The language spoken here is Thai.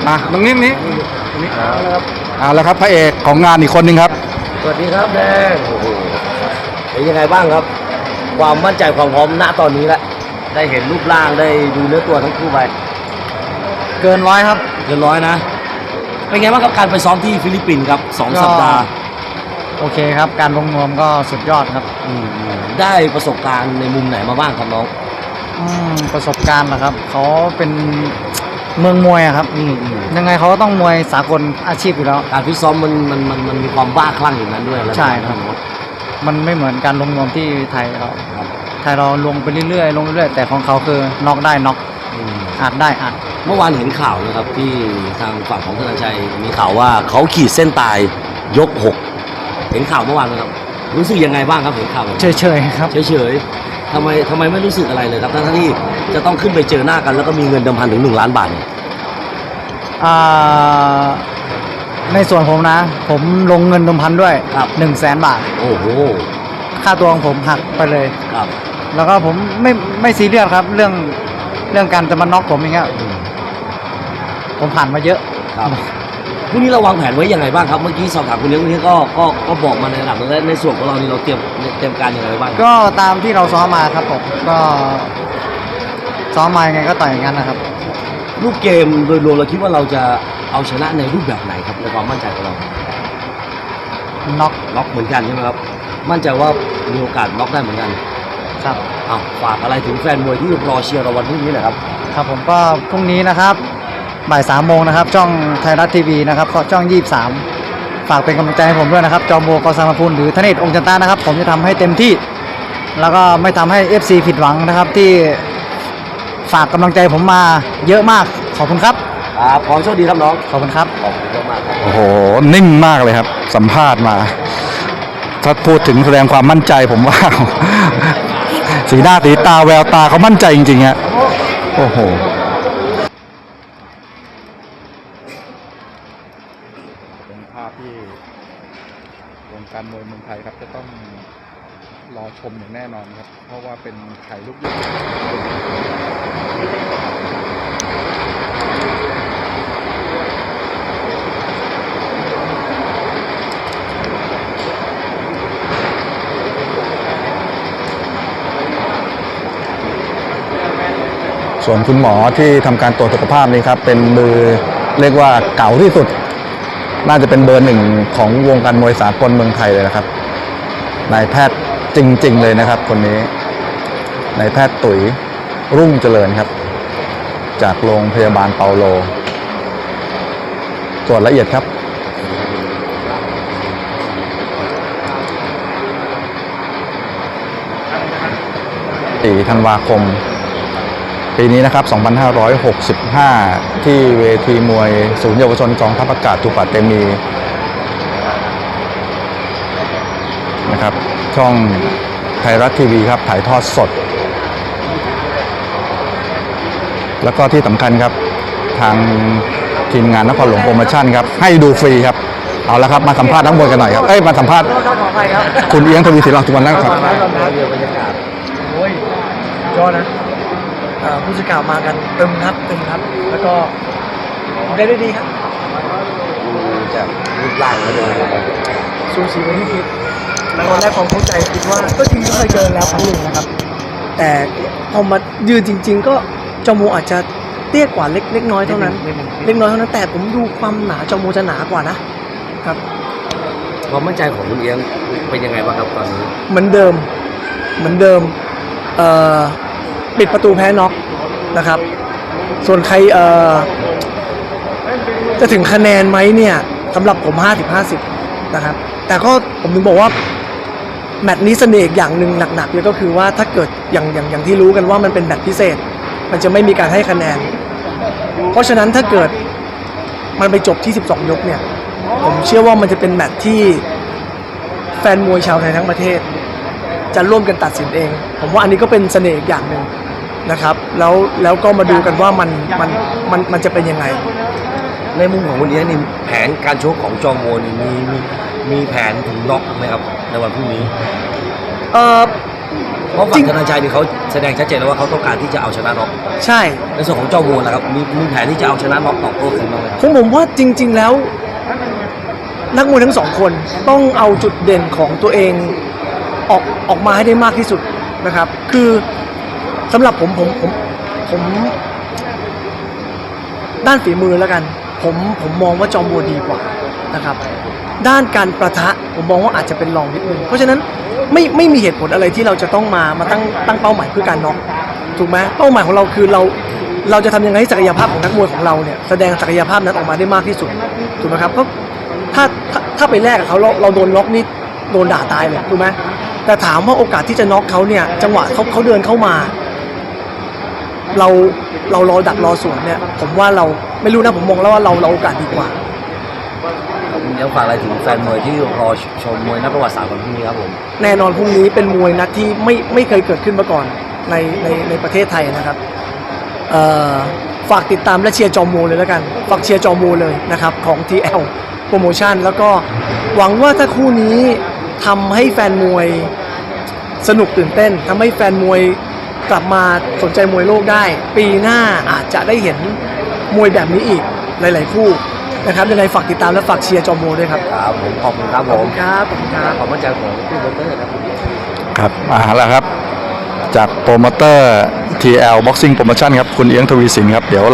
ตรงนี้เอาแล้วครับพระเอกของงานอีกคนหนึ่งครับสวัสดีครับแดงโอ้โหเป็นยังไงบ้างครับความมั่นใจความพร้อมณตอนนี้แล้วได้เห็นรูปร่างได้ดูเนื้อตัวทั้งคู่ไปเกินร้อยครับเกินร้อยนะเป็นไงบ้างครับการไปซ้อมที่ฟิลิปปินส์ครับ2 สัปดาห์โอเคครับการลงนวมก็สุดยอดครับได้ประสบการณ์ในมุมไหนมาบ้างครับน้องประสบการณ์นะครับเขาเป็นเมืองมวยครับยังไงเขาก็ต้องมวยสากลอาชีพอยู่แล้วการฟิตซ้อมมันมีความบ้าคลั่งอยู่นั้นด้วยใช่ครับมันไม่เหมือนการลงนวมที่ไทยเราลงไปเรื่อยๆแต่ของเขาคือน็อกได้น็อกอัดได้อัดเมื่อวานเห็นข่าวนะครับที่ทางฝั่งของธนชัยมีข่าวว่าเขาขีดเส้นตายยก6เห็นข่าวเมื่อวานไหมครับรู้สึกยังไงบ้างครับเห็นข่าวเฉยๆครับเฉยๆทำไมไม่รู้สึกอะไรเลยครับทั้งที่จะต้องขึ้นไปเจอหน้ากันแล้วก็มีเงินเดิมพันถึง1 ล้านบาทในส่วนผมนะผมลงเงินเดิมพันด้วย100,000 บาทโอ้โหค่าตัวของผมหักไปเลยครับแล้วก็ผมไม่ซีเรียสครับเรื่องการจะมาน็อกผมอย่างเงี้ยผมผ่านมาเยอะครับพรุ่งนี้เราวางแผนไว้ยังไงบ้างครับเมื่อกี้สอบถามคุณเลี้ยงนี้ก็บอกมาในระดับนึงแล้วในส่วนของเรานี่เราเตรียมการยังไงบ้างก็ตามที่เราซ้อมมาครับผมก็ซ้อมมายังไงก็ต่อยอย่างนั้นนะครับรูปเกมโดยรวมเราคิดว่าเราจะเอาชนะในรูปแบบไหนครับในความมั่นใจของเราน็อกเหมือนกันใช่ไหมครับมั่นใจว่ามีโอกาสน็อกได้เหมือนกันครับฝากอะไรถึงแฟนมวยที่รอเชียร์เราวันพรุ่งนี้หน่อยครับครับผมก็พรุ่งนี้นะครับบ่าย 3 โมงนะครับช่องไทยรัฐทีวีนะครับช่อง23ฝากเป็นกำลังใจให้ผมด้วยนะครับจอมโบกอสามพูลหรือธเนศองค์จันตานะครับผมจะทำให้เต็มที่แล้วก็ไม่ทำให้ FC ผิดหวังนะครับที่ฝากกำลังใจผมมาเยอะมากขอบคุณครับขอโชคดีครับน้องขอบคุณครับขอบคุณมากครับโอ้โหนิ่งมากเลยครับสัมภาษณ์มาถ้าพูดถึงแสดงความมั่นใจผมว่าสีหน้าสีตาแววตาเขามั่นใจจริงๆฮะโอ้โหเป็นภาพที่วงการมวยเมืองไทยครับจะต้องรอชมอย่างแน่นอนครับเพราะว่าเป็นไข่ลูกใหญ่ส่วนคุณหมอที่ทำการตรวจสุขภาพนี้ครับเป็นมือเรียกว่าเก่าที่สุดน่าจะเป็นเบอร์ 1ของวงการมวยสากลเมืองไทยเลยนะครับนายแพทย์จริงๆเลยนะครับคนนี้นายแพทย์ตุ๋ยรุ่งเจริญครับจากโรงพยาบาลเปาโลตรวจละเอียดครับ4 ธันวาคมปีนี้นะครับ2565ที่เวทีมวยศูนย์เยาวชนกองทัพอากาศตุปาเตมีนะครับช่องไทยรัฐทีวีครับถ่ายทอดสดแล้วก็ที่สำคัญครับทางทีมงานนครหลวงโปรโมชั่นครับให้ดูฟรีครับเอาละครับมาสัมภาษณ์นักมวยกันหน่อยครับมาสัมภาษณ์คุณเอียงทวีศิลป์สุวรรณครับยอดนะผู้สื่อข่าวมากันเต็มครับแล้วก็ได้ดีครับจากรูปร่างแล้วเลยสูสีกว่าที่คิดตอนแรกความเข้าใจคิดว่าก็จริงก็เคยเจอแล้วครั้งหนึ่งนะครับแต่พอมายืนจริงๆก็จมูกอาจจะเตี้ยกว่าเล็กน้อยเท่านั้นแต่ผมดูความหนาจมูกจะหนากว่านะครับความมั่นใจของคุณเอียงเป็นยังไงบ้างครับตอนนี้เหมือนเดิมปิดประตูแพ้น็อกนะครับส่วนใครจะถึงคะแนนไหมเนี่ยสำหรับผม50-50นะครับแต่ก็ผมถึงบอกว่าแมตช์นี้เสน่ห์อย่างหนึ่งหนักๆเลยก็คือว่าถ้าเกิดอย่างที่รู้กันว่ามันเป็นแมตช์พิเศษมันจะไม่มีการให้คะแนนเพราะฉะนั้นถ้าเกิดมันไปจบที่12 ยกเนี่ยผมเชื่อว่ามันจะเป็นแมตช์ที่แฟนมวยชาวไทยทั้งประเทศจะร่วมกันตัดสินเองผมว่าอันนี้ก็เป็นเสน่ห์อย่างหนึ่งนะครับแล้วก็มาดูกันว่ามันจะเป็นยังไงในมุมของคุณเอียงนี่แผนการชกของจอมโมนี่มีแผนถึงน็อกไหมครับในวันพรุ่งนี้เพราะฝั่งธนาชัยนี่เขาแสดงชัดเจนแล้วว่าเขาต้องการที่จะเอาชนะน็อกใช่ในส่วนของเจ้าวัวนะครับมีแผนที่จะเอาชนะน็อกตอบโต้คืนบ้างไหมครับผมว่าจริง ๆแล้ว นักมวยทั้งสองคนต้องเอาจุดเด่นของตัวเองออกมาให้ได้มากที่สุดนะครับ คือสำหรับผมด้านฝีมือแล้วกัน ผมมองว่าจอมบัวดีกว่านะครับ ด้านการประทะผมมองว่าอาจจะเป็นรองนิดนึงเพราะฉะนั้นไม่มีเหตุผลอะไรที่เราจะต้องมาตั้งเป้าหมายเพื่อการน็อกถูกไหมเป้าหมายของเราคือเราจะทำยังไงให้ศักยภาพของนักมวยของเราเนี่ยแสดงศักยภาพนั้นออกมาได้มากที่สุดถูกไหมครับก็ถ้าไปแลกกับเขาเราโดนน็อกนี่โดนด่าตายเลยถูกไหมแต่ถามว่าโอกาสที่จะน็อกเขาเนี่ยจังหวะเขาเดินเข้ามาเรารอดักรอสวนเนี่ยผมว่าเราไม่รู้นะผมมองแล้วว่าเราโอกาสดีกว่าเดี๋ยวฝากอะไรถึงแฟนมวยที่รอชมมวยนักประวัติศาสตร์วันพรุ่งนี้ครับผมแน่นอนพรุ่งนี้เป็นมวยนัดที่ไม่เคยเกิดขึ้นมาก่อนในประเทศไทยนะครับฝากติดตามและเชียร์จอมโมเลยแล้วกันฝากเชียร์จอมโมเลยนะครับของ TL โปรโมชั่นแล้วก็หวังว่าถ้าคู่นี้ทำให้แฟนมวยสนุกตื่นเต้นทำให้แฟนมวยกลับมาสนใจมวยโลกได้ ปีหน้าอาจจะได้เห็นมวยแบบนี้อีกหลายๆคู่นะครับยังไงฝากติดตามและฝากเชียร์จอมโมด้วยครับครับผมขอบคุณครับขผอบคุมณครับขอบคุณครับขอบมั่นใจของผู้บริหารครับครับมาแล้วครับ จากโปรโมเตอร์ TL Boxing Promotion ครับคุณเอียงทวีสินครับเดี๋ยว